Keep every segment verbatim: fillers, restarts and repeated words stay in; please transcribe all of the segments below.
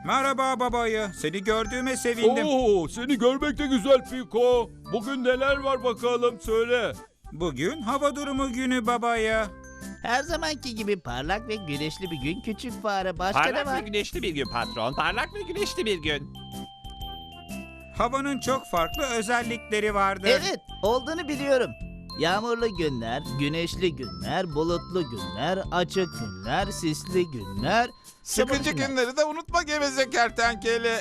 Merhaba babayı. Seni gördüğüme sevindim. Oo, seni görmek de güzel Piko. Bugün neler var bakalım söyle. Bugün hava durumu günü babayı. Her zamanki gibi parlak ve güneşli bir gün küçük fare. Başka ne Parlak ve var? güneşli bir gün patron. Parlak ve güneşli bir gün. Havanın çok farklı özellikleri vardır. Evet, olduğunu biliyorum. Yağmurlu günler, güneşli günler, bulutlu günler, açık günler, sisli günler, Sıkıcı sıvı günler. günleri de unutma geveze kertenkele.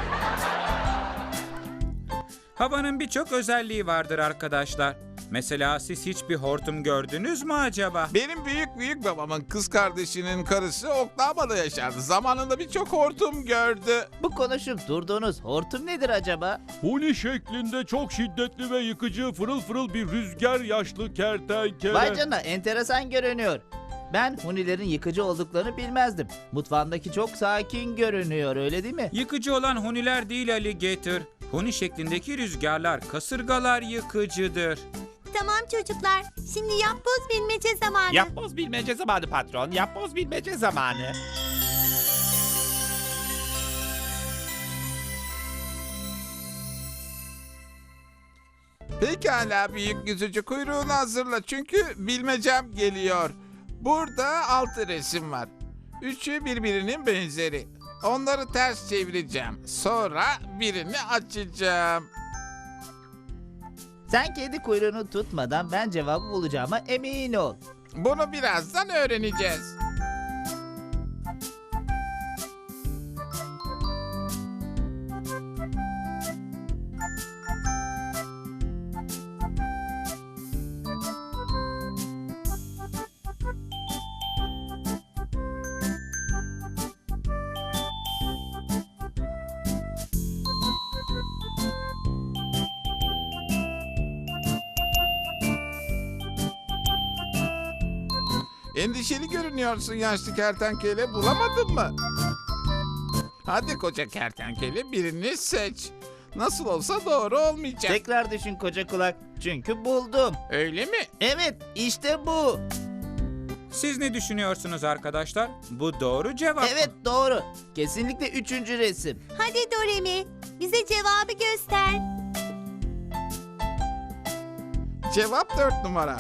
Havanın birçok özelliği vardır arkadaşlar. Mesela siz hiçbir hortum gördünüz mü acaba? Benim büyük büyük babamın kız kardeşinin karısı Oklahoma'da yaşardı. Zamanında birçok hortum gördü. Bu konuşup durduğunuz hortum nedir acaba? Huni şeklinde çok şiddetli ve yıkıcı fırıl fırıl bir rüzgar yaşlı kertenkele. Vay canına, enteresan görünüyor. Ben hunilerin yıkıcı olduklarını bilmezdim. Mutfağımdaki çok sakin görünüyor, öyle değil mi? Yıkıcı olan huniler değil alligator. Huni şeklindeki rüzgarlar, kasırgalar yıkıcıdır. Tamam çocuklar, şimdi yapboz bilmece zamanı. Yapboz bilmece zamanı patron. Yapboz bilmece zamanı. Pekala büyük yüzücü kuyruğunu hazırla çünkü bilmecem geliyor. Burada altı resim var. Üçü birbirinin benzeri. Onları ters çevireceğim. Sonra birini açacağım. Sen kedi kuyruğunu tutmadan ben cevabı bulacağıma emin ol. Bunu birazdan öğreneceğiz. Endişeli görünüyorsun yaşlı kertenkele, bulamadın mı? Hadi koca kertenkele birini seç. Nasıl olsa doğru olmayacak. Tekrar düşün koca kulak. Çünkü buldum. Öyle mi? Evet, işte bu. Siz ne düşünüyorsunuz arkadaşlar? Bu doğru cevap mı? Evet, doğru. Kesinlikle üçüncü resim. Hadi Doremi, bize cevabı göster. Cevap dört numara.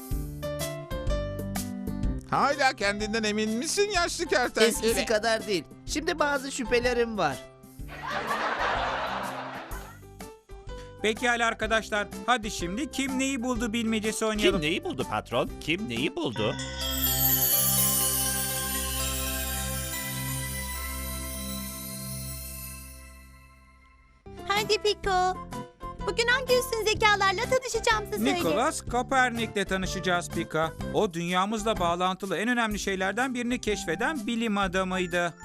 Hala kendinden emin misin yaşlı kertenkele? Eskisi kadar değil. Şimdi bazı şüphelerim var. Pekala arkadaşlar. Hadi şimdi kim neyi buldu bilmecesi oynayalım. Kim neyi buldu patron? Kim neyi buldu? Hadi Piko. Bugün hangi üstün zekalarla tanışacağımızı söyle. Nikolas Kopernik'le tanışacağız Pika. O dünyamızla bağlantılı en önemli şeylerden birini keşfeden bilim adamıydı.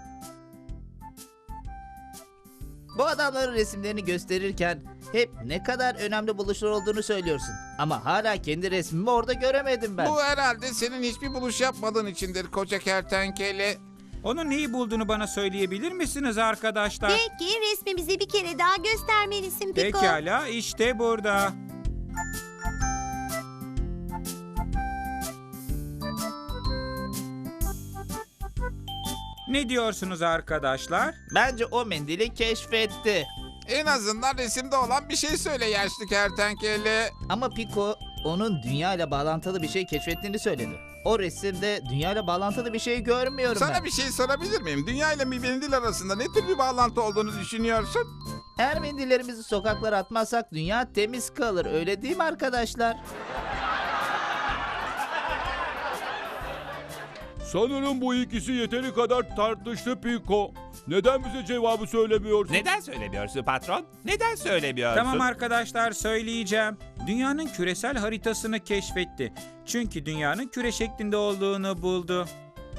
Bu adamların resimlerini gösterirken hep ne kadar önemli buluşlar olduğunu söylüyorsun. Ama hala kendi resmimi orada göremedim ben. Bu herhalde senin hiçbir buluş yapmadığın içindir koca kertenkele. Onun neyi bulduğunu bana söyleyebilir misiniz arkadaşlar? Belki resmimizi bir kere daha göstermelisin Piko. Pekala işte burada. Ne diyorsunuz arkadaşlar? Bence o mendili keşfetti. En azından resimde olan bir şey söyle yaşlı kertenkele. Ama Pico onun dünya ile bağlantılı bir şey keşfettiğini söyledi. O resimde dünya ile bağlantılı bir şey görmüyorum Sana ben. bir şey sorabilir miyim? Dünya ile bir mendil arasında ne tür bir bağlantı olduğunu düşünüyorsun? Eğer mendillerimizi sokaklara atmazsak dünya temiz kalır, öyle değil mi arkadaşlar? Sanırım bu ikisi yeteri kadar tartıştı Piko. Neden bize cevabı söylemiyorsun? Neden söylemiyorsun patron? Neden söylemiyorsun? Tamam arkadaşlar söyleyeceğim. Dünyanın küresel haritasını keşfetti. Çünkü dünyanın küre şeklinde olduğunu buldu.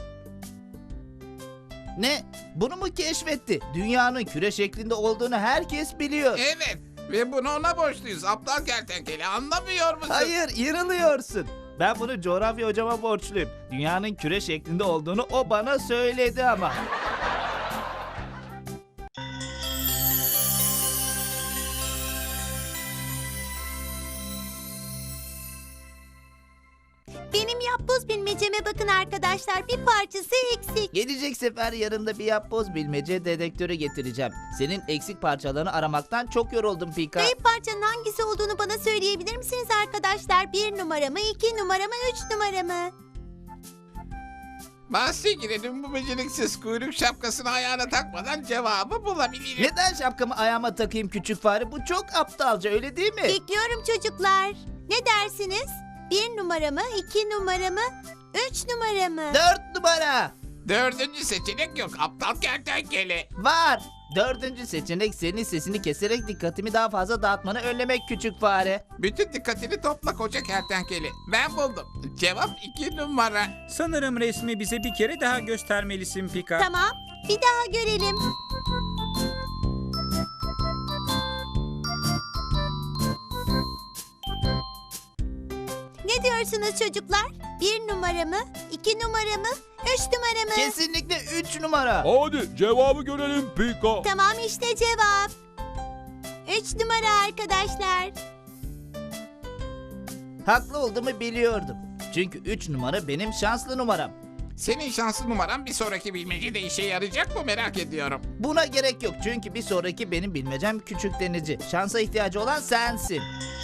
Ne? Bunu mu keşfetti? Dünyanın küre şeklinde olduğunu herkes biliyor. Evet ve bunu ona borçluyuz aptal kertenkele, anlamıyor musun? Hayır, yanılıyorsun. Ben bunu coğrafya hocama borçluyum. Dünyanın küre şeklinde olduğunu o bana söyledi ama. Benim yapboz bilmeceme bakın arkadaşlar. arkadaşlar. Bir parçası eksik. Gelecek sefer yanımda bir yapboz bilmece dedektörü getireceğim. Senin eksik parçalarını aramaktan çok yoruldum Pika. Kayıp parçanın hangisi olduğunu bana söyleyebilir misiniz arkadaşlar? Bir numara mı, iki numara mı, üç numara mı? Bahse girelim, bu beceriksiz kuyruk şapkasını ayağına takmadan cevabı bulabilirim. Neden şapkamı ayağıma takayım küçük fare? Bu çok aptalca, öyle değil mi? Bekliyorum çocuklar. Ne dersiniz? Bir numara mı, iki numara mı, üç numara mı? Dört numara. Dördüncü seçenek yok aptal kertenkele. Var. Dördüncü seçenek senin sesini keserek dikkatimi daha fazla dağıtmanı önlemek küçük fare. Bütün dikkatini topla koca kertenkele. Ben buldum. Cevap iki numara. Sanırım resmi bize bir kere daha göstermelisin Pika. Tamam, bir daha görelim. Ne diyorsunuz çocuklar? Bir numara mı, iki numara mı, üç numara mı? Kesinlikle üç numara. Hadi cevabı görelim Pika. Tamam işte cevap. Üç numara arkadaşlar. Haklı olduğumu biliyordum. Çünkü üç numara benim şanslı numaram. Senin şanslı numaran bir sonraki bilmecede işe yarayacak mı merak ediyorum. Buna gerek yok çünkü bir sonraki benim bilmecem küçük denici. Şansa ihtiyacı olan sensin.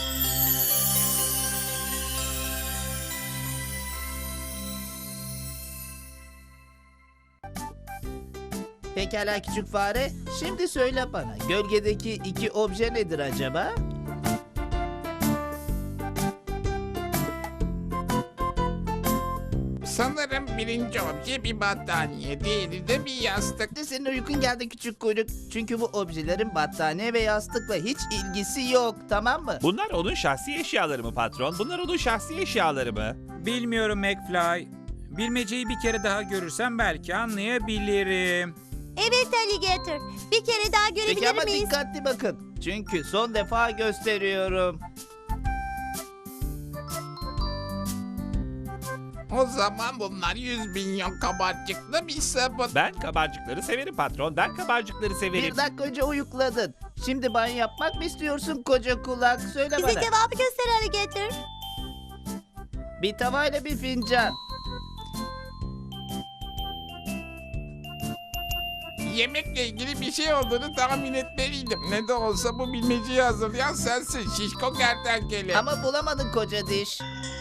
Pekala küçük fare, şimdi söyle bana, gölgedeki iki obje nedir acaba? Sanırım birinci obje bir battaniye, diğeri de bir yastık. Hadi senin uykun geldi küçük kuyruk. Çünkü bu objelerin battaniye ve yastıkla hiç ilgisi yok, tamam mı? Bunlar onun şahsi eşyaları mı patron? Bunlar onun şahsi eşyaları mı? Bilmiyorum McFly. Bilmeceyi bir kere daha görürsem belki anlayabilirim. Evet Alligator. Bir kere daha Peki görebilir ama miyiz? dikkatli bakın. Çünkü son defa gösteriyorum. O zaman bunlar yüz milyon kabarcıklı bir sabun. Ben kabarcıkları severim patron. Ben kabarcıkları severim. Bir dakika önce uyukladın. Şimdi banyo yapmak mı istiyorsun koca kulak? Söyle Bize bana. cevabı göster Alligator. Bir tavayla bir fincan. Yemekle ilgili bir şey olduğunu tahmin etmeliydim. Ne de olsa bu bilmeceyi hazırlayan sensin şişko kertenkele. Ama bulamadın koca diş.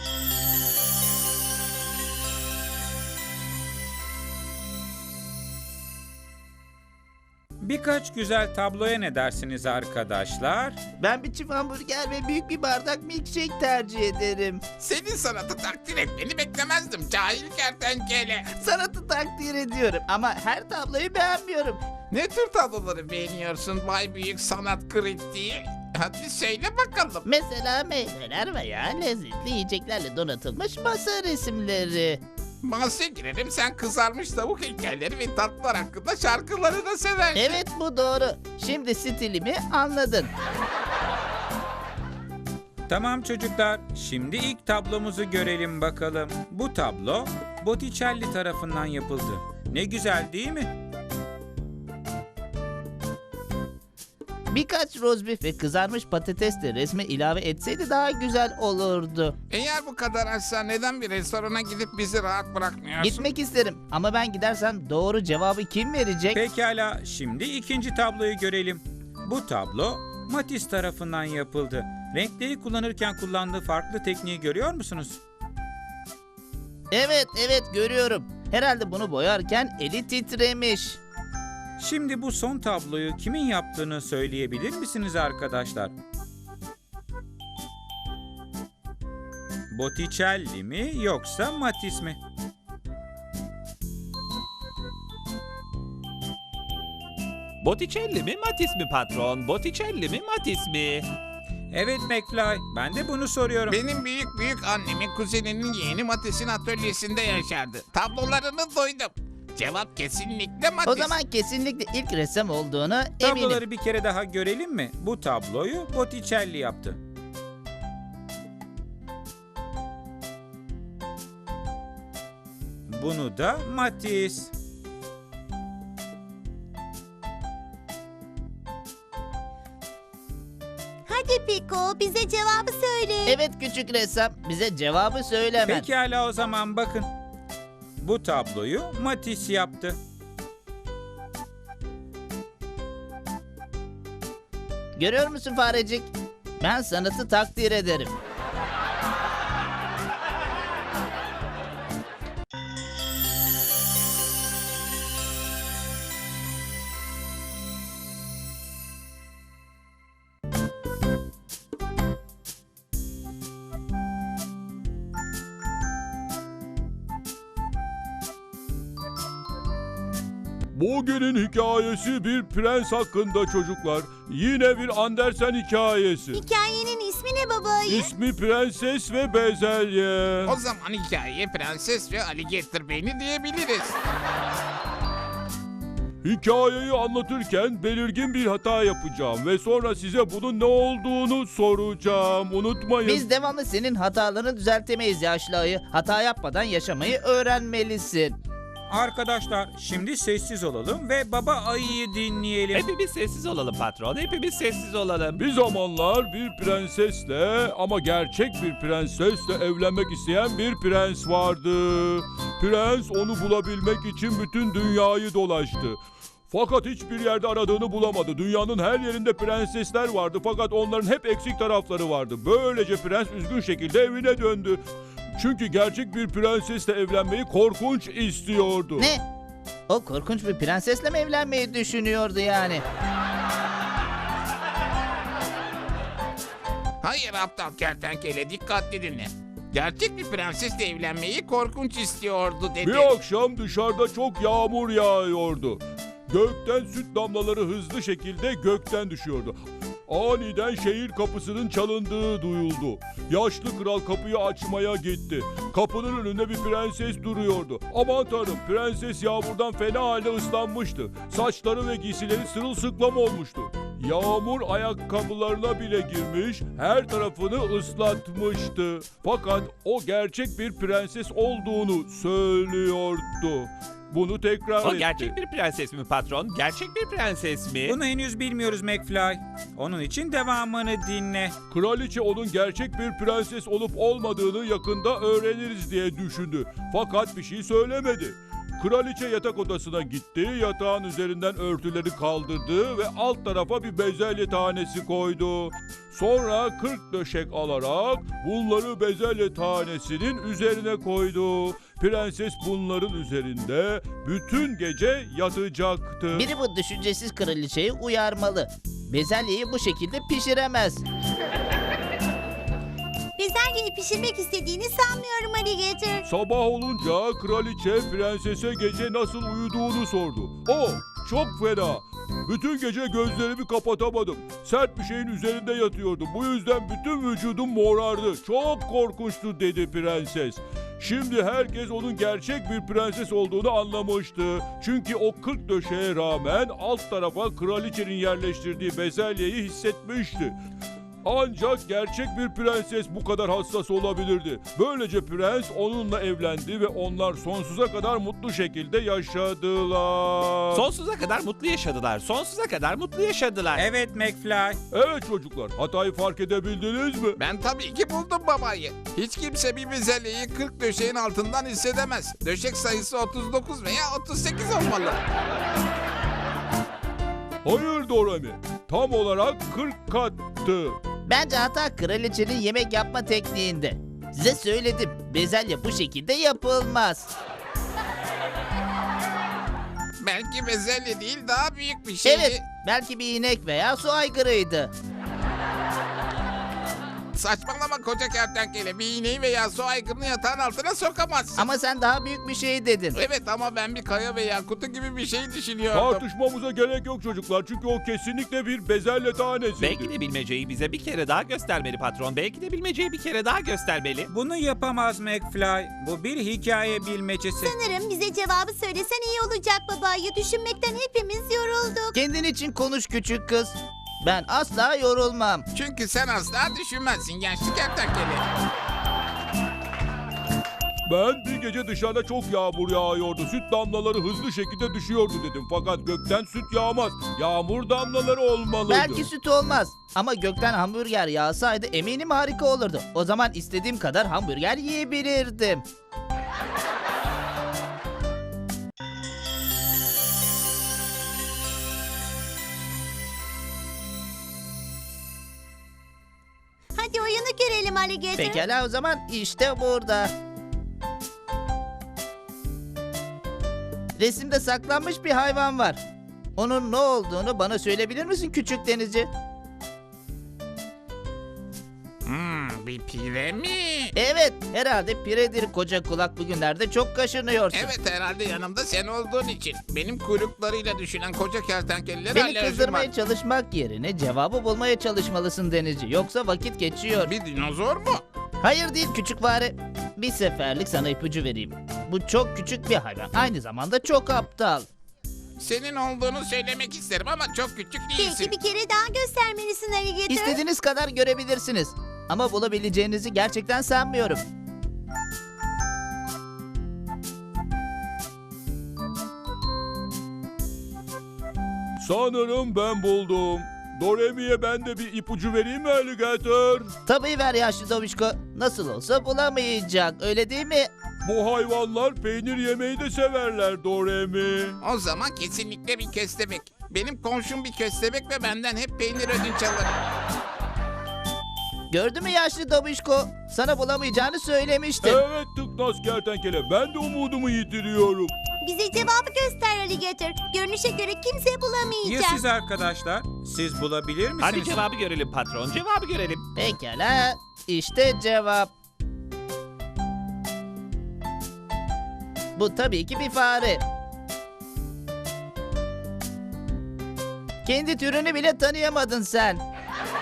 Birkaç güzel tabloya ne dersiniz arkadaşlar? Ben bir çift hamburger ve büyük bir bardak milkshake tercih ederim. Senin sanatı takdir etmeni beklemezdim cahil kertenkele. Sanatı takdir ediyorum ama her tabloyu beğenmiyorum. Ne tür tabloları beğeniyorsun Bay Büyük Sanat Kritiği? Hadi söyle bakalım. Mesela meyveler veya lezzetli yiyeceklerle donatılmış masa resimleri. Bahse girelim, sen kızarmış tavuk heykelleri ve tatlılar hakkında şarkıları da seversin. Evet, bu doğru. Şimdi stilimi anladın. Tamam çocuklar, şimdi ilk tablomuzu görelim bakalım. Bu tablo Botticelli tarafından yapıldı. Ne güzel değil mi? Birkaç rozbif ve kızarmış patates de resme ilave etseydi daha güzel olurdu. Eğer bu kadar açsa neden bir restorana gidip bizi rahat bırakmıyorsun? Gitmek isterim ama ben gidersem doğru cevabı kim verecek? Pekala, şimdi ikinci tabloyu görelim. Bu tablo Matisse tarafından yapıldı. Renkleri kullanırken kullandığı farklı tekniği görüyor musunuz? Evet, evet görüyorum. Herhalde bunu boyarken eli titremiş. Şimdi bu son tabloyu kimin yaptığını söyleyebilir misiniz arkadaşlar? Botticelli mi yoksa Matisse mi? Botticelli mi Matisse mi patron? Botticelli mi Matisse mi? Evet McFly, ben de bunu soruyorum. Benim büyük büyük annemin kuzeninin yeğeni Matisse'in atölyesinde yaşardı. Tablolarını duydum. Cevap kesinlikle Matisse. O zaman kesinlikle ilk ressam olduğunu eminim. Tabloları bir kere daha görelim mi? Bu tabloyu Botticelli yaptı. Bunu da Matisse. Hadi Piko, bize cevabı söyle. Evet küçük ressam, bize cevabı söyle hemen. Pekala o zaman bakın. Bu tabloyu Matisse yaptı. Görüyor musun farecik? Ben sanatı takdir ederim. Bugünün hikayesi bir prens hakkında çocuklar. Yine bir Andersen hikayesi. Hikayenin ismi ne baba ayı? İsmi Prenses ve Bezelye. O zaman hikayeye Prenses ve Alligator Beyni diyebiliriz. Hikayeyi anlatırken belirgin bir hata yapacağım ve sonra size bunun ne olduğunu soracağım. Unutmayın. Biz devamlı senin hatalarını düzeltemeyiz yaşlı ayı. Hata yapmadan yaşamayı öğrenmelisin. Arkadaşlar şimdi sessiz olalım ve baba ayıyı dinleyelim. Hepimiz sessiz olalım patron. Hepimiz sessiz olalım. Bir zamanlar bir prensesle ama gerçek bir prensesle evlenmek isteyen bir prens vardı. Prens onu bulabilmek için bütün dünyayı dolaştı. Fakat hiçbir yerde aradığını bulamadı. Dünyanın her yerinde prensesler vardı fakat onların hep eksik tarafları vardı. Böylece prens üzgün şekilde evine döndü. Çünkü gerçek bir prensesle evlenmeyi korkunç istiyordu. Ne? O korkunç bir prensesle mi evlenmeyi düşünüyordu yani? Hayır aptal kertenkele, dikkatli dinle. Gerçek bir prensesle evlenmeyi korkunç istiyordu dedi. Bir akşam dışarıda çok yağmur yağıyordu. Gökten süt damlaları hızlı şekilde gökten düşüyordu. Aniden şehir kapısının çalındığı duyuldu. Yaşlı kral kapıyı açmaya gitti. Kapının önünde bir prenses duruyordu. Aman tanrım, prenses yağmurdan fena halde ıslanmıştı. Saçları ve giysileri sırılsıklam olmuştu. Yağmur ayakkabılarına bile girmiş, her tarafını ıslatmıştı. Fakat o gerçek bir prenses olduğunu söylüyordu. Bunu tekrar O etti. gerçek bir prenses mi patron? Gerçek bir prenses mi? Bunu henüz bilmiyoruz McFly. Onun için devamını dinle. Kraliçe onun gerçek bir prenses olup olmadığını yakında öğreniriz diye düşündü. Fakat bir şey söylemedi. Kraliçe yatak odasına gitti, yatağın üzerinden örtüleri kaldırdı ve alt tarafa bir bezelye tanesi koydu. Sonra kırk döşek alarak bunları bezelye tanesinin üzerine koydu. Prenses bunların üzerinde bütün gece yatacaktı. Biri bu düşüncesiz kraliçeyi uyarmalı. Bezelyeyi bu şekilde pişiremez. Bezelyeyi pişirmek istediğini sanmıyorum Alligator. Sabah olunca kraliçe prensese gece nasıl uyuduğunu sordu. O çok fena. Bütün gece gözlerimi kapatamadım. Sert bir şeyin üzerinde yatıyordum. Bu yüzden bütün vücudum morardı. Çok korkunçtu dedi prenses. Şimdi herkes onun gerçek bir prenses olduğunu anlamıştı. Çünkü o kırk döşeye rağmen alt tarafa kraliçenin yerleştirdiği bezelyeyi hissetmişti. Ancak gerçek bir prenses bu kadar hassas olabilirdi. Böylece prens onunla evlendi ve onlar sonsuza kadar mutlu şekilde yaşadılar. Sonsuza kadar mutlu yaşadılar. Sonsuza kadar mutlu yaşadılar. Evet McFly. Evet çocuklar, hatayı fark edebildiniz mi? Ben tabii ki buldum babayı. Hiç kimse bir bezelyeyi kırk döşeğin altından hissedemez. Döşek sayısı otuz dokuz veya otuz sekiz olmalı. Hayır Doremi, tam olarak kırk kattı. Bence hata kraliçenin yemek yapma tekniğinde. Size söyledim, bezelye bu şekilde yapılmaz. Belki bezelye değil, daha büyük bir şeydi. Evet, belki bir inek veya su aygırıydı. Saçmalama koca kertenkele. Bir iğneyi veya su aygırını yatağın altına sokamazsın. Ama sen daha büyük bir şey dedin. Evet ama ben bir kaya veya kutu gibi bir şey düşünüyordum. Tartışmamıza gerek yok çocuklar çünkü o kesinlikle bir bezelye tanesiydi. Belki de bilmeceyi bize bir kere daha göstermeli patron. Belki de bilmeceyi bir kere daha göstermeli. Bunu yapamaz McFly. Bu bir hikaye bilmecesi. Sanırım bize cevabı söylesen iyi olacak baba ayı. Düşünmekten hepimiz yorulduk. Kendin için konuş küçük kız. Ben asla yorulmam. Çünkü sen asla düşünmezsin yaşlı kertenkele. Ben bir gece dışarıda çok yağmur yağıyordu. Süt damlaları hızlı şekilde düşüyordu dedim. Fakat gökten süt yağmaz. Yağmur damlaları olmalıydı. Belki süt olmaz. Ama gökten hamburger yağsaydı eminim harika olurdu. O zaman istediğim kadar hamburger yiyebilirdim. Alligator? Pekala o zaman işte burada. Resimde saklanmış bir hayvan var. Onun ne olduğunu bana söyleyebilir misin küçük denizci? Hmm, bir pire mi? Evet, herhalde piredir koca kulak, bugünlerde çok kaşınıyorsun. Evet, herhalde yanımda sen olduğun için. Benim kuyruklarıyla düşünen koca kertenkelelere Beni alerjim var. kızdırmaya çalışmak yerine cevabı bulmaya çalışmalısın denizci. Yoksa vakit geçiyor. Bir dinozor mu? Hayır değil küçük fare. Bir seferlik sana ipucu vereyim. Bu çok küçük bir hayvan. Aynı zamanda çok aptal. Senin olduğunu söylemek isterim ama çok küçük değilsin. Belki bir kere daha göstermelisin Alligator. İstediğiniz kadar görebilirsiniz. Ama bulabileceğinizi gerçekten sanmıyorum. Sanırım ben buldum. Doremi'ye ben de bir ipucu vereyim mi Alligator? Tabii ver yaşlı Dobişko. Nasıl olsa bulamayacak, öyle değil mi? Bu hayvanlar peynir yemeyi de severler Doremi. O zaman kesinlikle bir köstebek. Benim komşum bir köstebek ve benden hep peynir ödünç alır. Gördün mü yaşlı Dobişko? Sana bulamayacağını söylemiştim. Evet tıknaz kertenkele, ben de umudumu yitiriyorum. Bize cevabı göster Alligator. Görünüşe göre kimse Ya bulamayacak. siz arkadaşlar? Siz bulabilir misiniz? Hadi cevabı görelim patron, cevabı görelim. Pekala, işte cevap. Bu tabii ki bir fare. Kendi türünü bile tanıyamadın sen.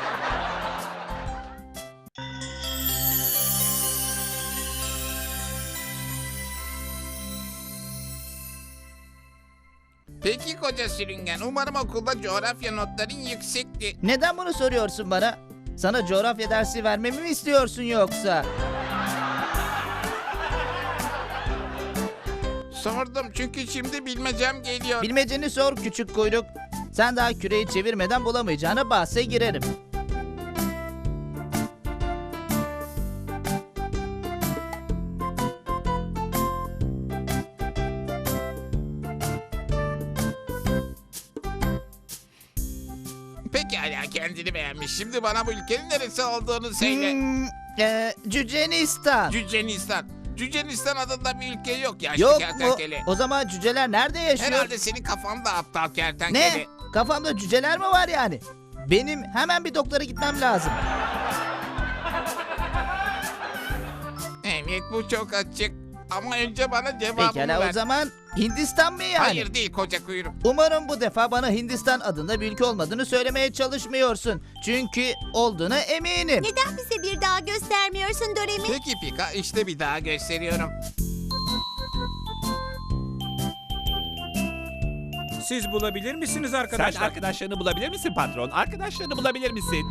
Peki koca sürüngen, umarım okulda coğrafya notların yüksekti. Neden bunu soruyorsun bana? Sana coğrafya dersi vermemi mi istiyorsun yoksa? Sordum çünkü şimdi bilmecem geliyor. Bilmeceni sor küçük kuyruk. Sen daha küreyi çevirmeden bulamayacağına bahse girerim. Pekala, kendini beğenmiş. Şimdi bana bu ülkenin neresi olduğunu söyle. Hmm, e, Cücenistan. Cücenistan. Cücenistan adında bir ülke yok yaşlı Yok mu? kertenkele. O zaman cüceler nerede yaşıyor? Herhalde senin kafanda aptal kertenkele. Ne? Kafamda cüceler mi var yani? Benim hemen bir doktora gitmem lazım. Evet, bu çok açık. Ama önce bana cevabını Pekala ver. o zaman Hindistan mı yani? Hayır değil koca kuyruk. Umarım bu defa bana Hindistan adında bir ülke olmadığını söylemeye çalışmıyorsun. Çünkü olduğuna eminim. Neden bize bir daha göstermiyorsun Doremi? Peki Pika, işte bir daha gösteriyorum. Siz bulabilir misiniz Sen arkadaşlar? arkadaşlarını bulabilir misin patron? Arkadaşlarını bulabilir misin?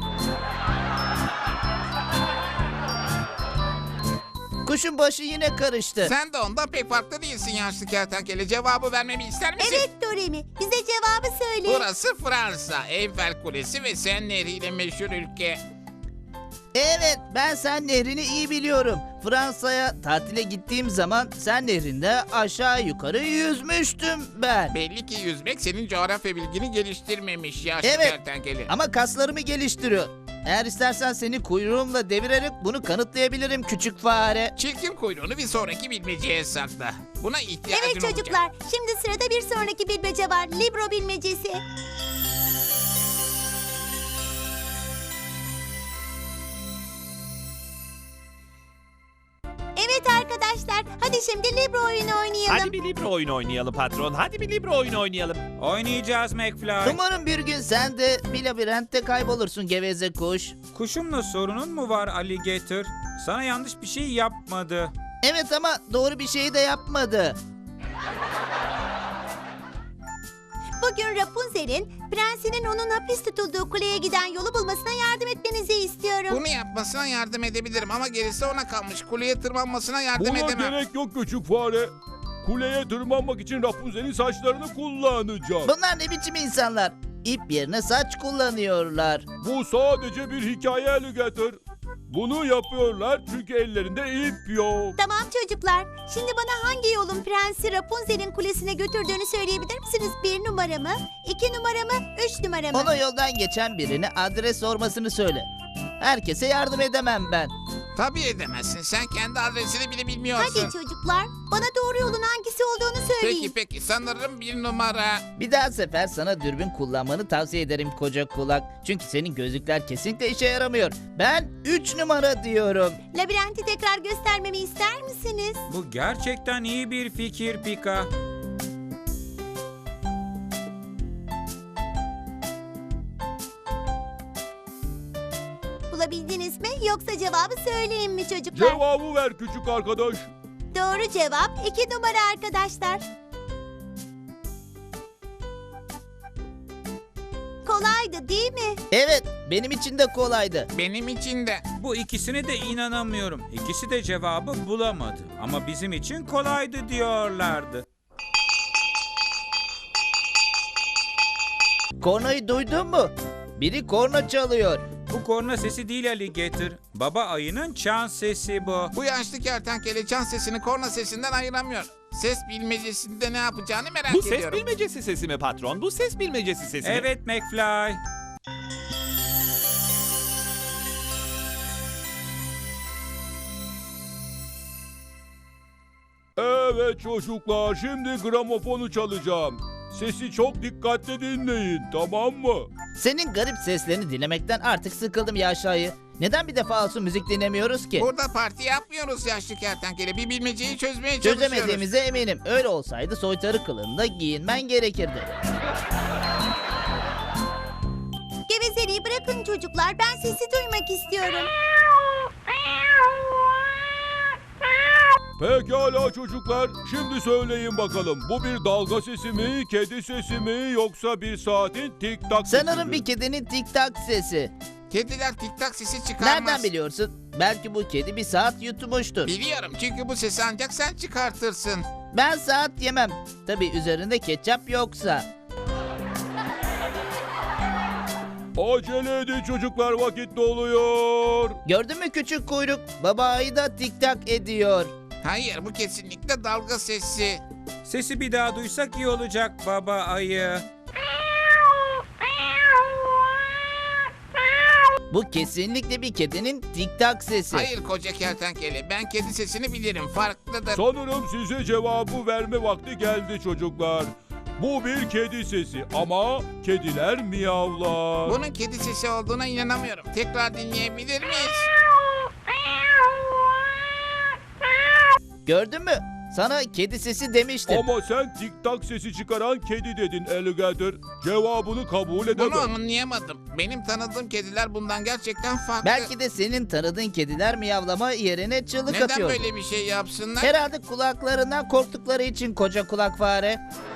Kuşun başı yine karıştı. Sen de ondan pek farklı değilsin yaşlı kertenkele. Cevabı vermemi ister misin? Evet Doremi. Bize cevabı söyle. Burası Fransa. Eyfel Kulesi ve Sen Nehri ile meşhur ülke. Evet, ben Sen Nehri'ni iyi biliyorum. Fransa'ya tatile gittiğim zaman Sen Nehri'nde aşağı yukarı yüzmüştüm ben. Belli ki yüzmek senin coğrafya bilgini geliştirmemiş yaşlı Evet. kertenkele. Ama kaslarımı geliştiriyor. Eğer istersen seni kuyruğumla devirerek bunu kanıtlayabilirim küçük fare. Çirkin kuyruğunu bir sonraki bilmeceye sakla. Buna ihtiyacın Evet olacak. çocuklar. Şimdi sırada bir sonraki bilmece var. Libro bilmecesi. Evet arkadaşlar. Hadi şimdi Libro oyunu oynayalım. Hadi bir libro oyunu oynayalım patron, hadi bir libro oyunu oynayalım. Oynayacağız McFly. Umarım bir gün sen de bir labirentte kaybolursun geveze kuş. Kuşumla sorunun mu var Alligator? Sana yanlış bir şey yapmadı. Evet ama doğru bir şeyi de yapmadı. Bugün Rapunzel'in prensinin onun hapis tutulduğu kuleye giden yolu bulmasına yardım etmenizi istiyorum. Bunu yapmasına yardım edebilirim ama gerisi ona kalmış. Kuleye tırmanmasına yardım Buna edemem. gerek yok küçük fare. Kuleye tırmanmak için Rapunzel'in saçlarını kullanacağım. Bunlar ne biçim insanlar? İp yerine saç kullanıyorlar. Bu sadece bir hikaye Alligator. Bunu yapıyorlar çünkü ellerinde ip yok. Tamam çocuklar. Şimdi bana hangi yolun prensi Rapunzel'in kulesine götürdüğünü söyleyebilir misiniz? Bir numara mı? İki numara mı? Üç numara mı? Ona yoldan geçen birine adres sormasını söyle. Herkese yardım edemem ben. Tabii edemezsin. Sen kendi adresini bile bilmiyorsun. Hadi çocuklar, bana doğru yolun hangisi olduğunu söyleyin. Peki peki sanırım bir numara. Bir daha sefer sana dürbün kullanmanı tavsiye ederim koca kulak. Çünkü senin gözlükler kesinlikle işe yaramıyor. Ben üç numara diyorum. Labirenti tekrar göstermemi ister misiniz? Bu gerçekten iyi bir fikir Pika. Bulabildiniz mi yoksa cevabı söyleyeyim mi çocuklar? Cevabı ver küçük arkadaş. Doğru cevap iki numara arkadaşlar. Kolaydı değil mi? Evet, benim için de kolaydı. Benim için de. Bu ikisine de inanamıyorum. İkisi de cevabı bulamadı. Ama bizim için kolaydı diyorlardı. Kornayı duydun mu? Biri korna çalıyor. Bu korna sesi değil Alligator. Baba ayının çan sesi bu. Bu yaşlı kertenkele çan sesini korna sesinden ayıramıyor. Ses bilmecesinde ne yapacağını merak Bu ses ediyorum. bilmecesi sesi mi patron? Bu ses bilmecesi sesi mi? Evet McFly. Evet çocuklar, şimdi gramofonu çalacağım. Sesi çok dikkatli dinleyin, tamam mı? Senin garip seslerini dinlemekten artık sıkıldım ya aşağıyı. Neden bir defa olsun müzik dinlemiyoruz ki? Burada parti yapmıyoruz yaşlı kertenkele. Bir bilmeceyi çözmeye çalışıyoruz. Çözemediğimize eminim. Öyle olsaydı soytarı kılığında giyinmen gerekirdi. Gevezeliği bırakın çocuklar. Ben sesi duymak istiyorum. Pekala çocuklar, şimdi söyleyin bakalım. Bu bir dalga sesi mi, kedi sesi mi, yoksa bir saatin tik tak sesi Sanırım mi? bir kedinin tik tak sesi. Kediler tik tak sesi çıkarmaz. Nereden biliyorsun? Belki bu kedi bir saat yutmuştur. Biliyorum çünkü bu sesi ancak sen çıkartırsın. Ben saat yemem. Tabii üzerinde ketçap yoksa. Acele edin çocuklar, vakit doluyor. Gördün mü küçük kuyruk? Baba ayı da tik tak ediyor. Hayır bu kesinlikle dalga sesi. Sesi bir daha duysak iyi olacak baba ayı. Bu kesinlikle bir kedinin tik tak sesi. Hayır koca kertenkele ben kedi sesini bilirim farklıdır. Sanırım size cevabı verme vakti geldi çocuklar. Bu bir kedi sesi ama kediler miyavlar. Bunun kedi sesi olduğuna inanamıyorum. Tekrar dinleyebilir miyiz? Gördün mü? Sana kedi sesi demiştim. Ama sen tik tak sesi çıkaran kedi dedin Alligator. Cevabını kabul edemem. Bunu anlayamadım. Benim tanıdığım kediler bundan gerçekten farklı. Belki de senin tanıdığın kediler miyavlama yerine çığlık Neden atıyor. böyle bir şey yapsınlar? Herhalde kulaklarından korktukları için koca kulak fare.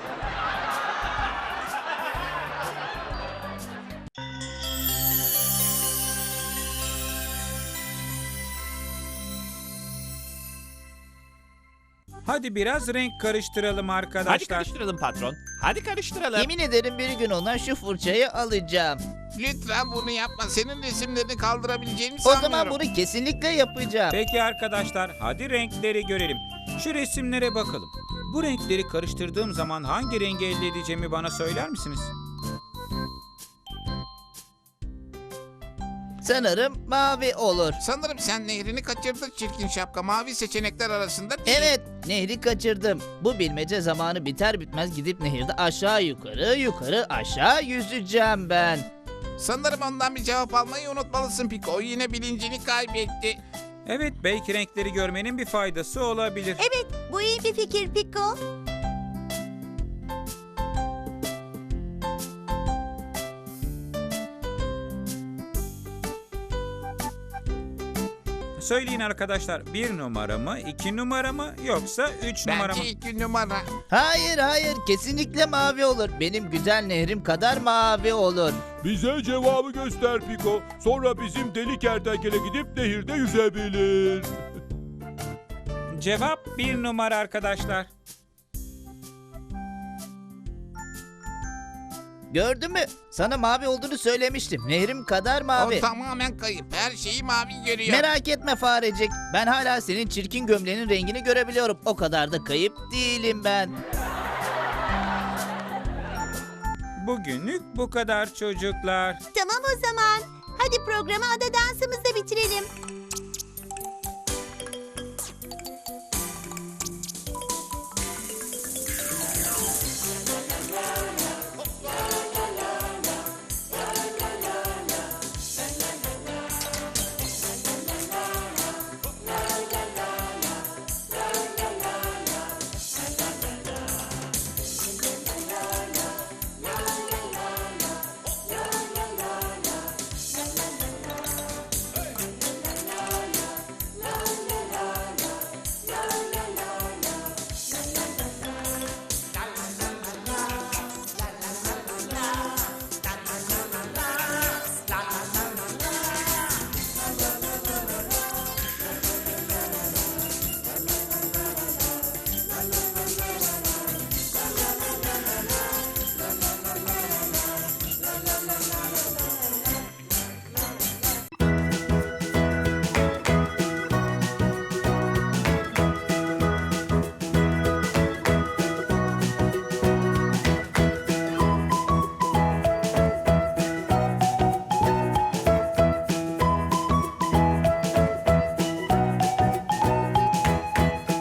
Hadi biraz renk karıştıralım Hadi arkadaşlar. karıştıralım patron. Hadi karıştıralım. Yemin ederim bir gün ona şu fırçayı alacağım. Lütfen bunu yapma. Senin resimlerini kaldırabileceğimi O sanmıyorum. zaman bunu kesinlikle yapacağım. Peki arkadaşlar, hadi renkleri görelim. Şu resimlere bakalım. Bu renkleri karıştırdığım zaman hangi rengi elde edeceğimi bana söyler misiniz? Sanırım mavi olur. Sanırım sen nehrini kaçırdın çirkin şapka. Mavi seçenekler arasında değil. Evet, nehri kaçırdım. Bu bilmece zamanı biter bitmez gidip nehirde aşağı yukarı yukarı aşağı yüzeceğim ben. Sanırım ondan bir cevap almayı unutmalısın Piko. O yine bilincini kaybetti. Evet, belki renkleri görmenin bir faydası olabilir. Evet, bu iyi bir fikir Piko. Söyleyin arkadaşlar, bir numara mı, iki numara mı, yoksa üç numara mı? Bence iki numara. Hayır hayır kesinlikle mavi olur. Benim güzel nehrim kadar mavi olur. Bize cevabı göster Piko. Sonra bizim deli kertenkele gidip nehirde yüzebilir. Cevap bir numara arkadaşlar. Gördün mü? Sana mavi olduğunu söylemiştim. Nehrim kadar mavi. O tamamen kayıp. Her şeyi mavi görüyor. Merak etme farecik. Ben hala senin çirkin gömleğinin rengini görebiliyorum. O kadar da kayıp değilim ben. Bugünlük bu kadar çocuklar. Tamam o zaman. Hadi programı ada dansımızla bitirelim.